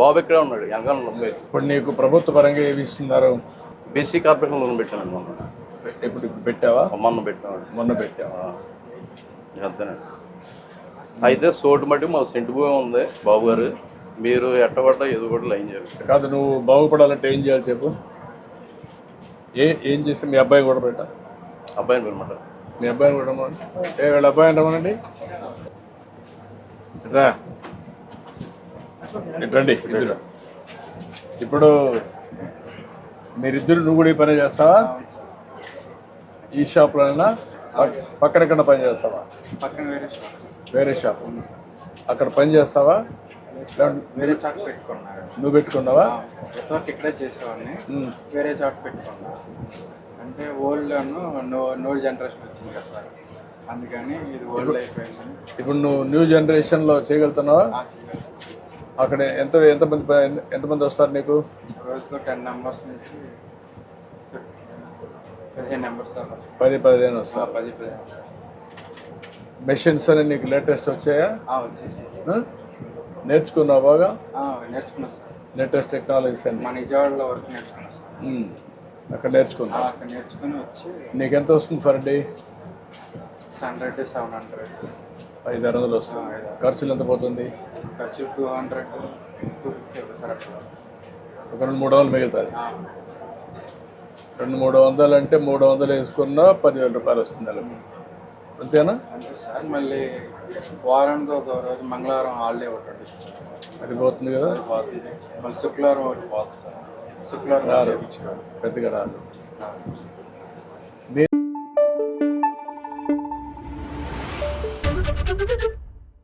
బాబు ఇక్కడే ఉన్నాడు వెనకాల నొప్పి. ఇప్పుడు నీకు ప్రభుత్వ పరంగా ఏమి ఇస్తున్నారు? బీసీ కార్పొరేషన్ లోన్ పెట్టాను మొన్న. ఇప్పుడు పెట్టావా? మొన్న పెట్టాను. మొన్న పెట్టావా? అంతేనండి. అయితే సోటు మట్టి మా సెంటు భూమి ఉంది బాబు గారు, మీరు ఎట్టబడ్డా ఏదో కూడా లైన్ చేయాలి. కాదు, నువ్వు బాగుపడాలంటే ఏం చేయాలి చెప్పు? ఏం చేస్తే మీ అబ్బాయి కూడా పెట్టా? అబ్బాయిని అనమాట. మీ అబ్బాయిని కూడా రమ్మనండి. వీళ్ళ అబ్బాయిని రమ్మనండి. రా రండి ఇద్దరు. ఇప్పుడు మీరిద్దరు నువ్వు కూడా ఈ పని చేస్తావా? ఈ షాప్లోనైనా పక్కన ఎక్కడ పని చేస్తావా? వేరే షాప్ అక్కడ పని చేస్తావా? వేరే చాట్ పెట్టుకున్నారు. నువ్వు పెట్టుకున్నావా? ఇక్కడే చేసేవాడిని, వేరే చాట్ పెట్టుకున్నా. అంటే ఓల్డ్ నో జనరేషన్ వచ్చింది కదా సార్, అందుకని ఇది ఓల్డ్ అయిపోయింది. ఇప్పుడు నువ్వు న్యూ జనరేషన్లో చేయగలుగుతున్నావా? అక్కడ ఎంతమంది వస్తారు నీకు? రోజుకు 10 నెంబర్స్ నుంచి 15 నెంబర్స్ 10-15 వస్తారు. 10-15 మెషిన్స్ అని నీకు లేటెస్ట్ వచ్చాయా? వచ్చేసి నేర్చుకున్నావు బాగా? నేర్చుకున్నా సార్. లేటెస్ట్ టెక్నాలజీస్ అని మా నిజవాడలో వరకు నేర్చుకున్నా సార్. అక్కడ నేర్చుకున్నా. అక్కడ నేర్చుకుని వచ్చి నీకు ఎంత వస్తుంది ఫర్ డే? 600-700 500 వస్తుంది. ఖర్చులు ఎంత పోతుంది? ఖర్చు 200-250 సార్. అట్లా ఒక 200-300 మిగులుతుంది. 200-300 అంటే 300 వేసుకున్నా 10,000 రూపాయలు వస్తుంది నెలకు. అంతేనా? అంతే సార్. మళ్ళీ వారానికి ఒక రోజు మంగళవారం హాలిడే ఒకటి అది పోతుంది కదా. పోతుంది. మళ్ళీ శుక్రవారం ఒకటి పోతుంది సార్. శుక్రవారం పెద్దగా రాదు.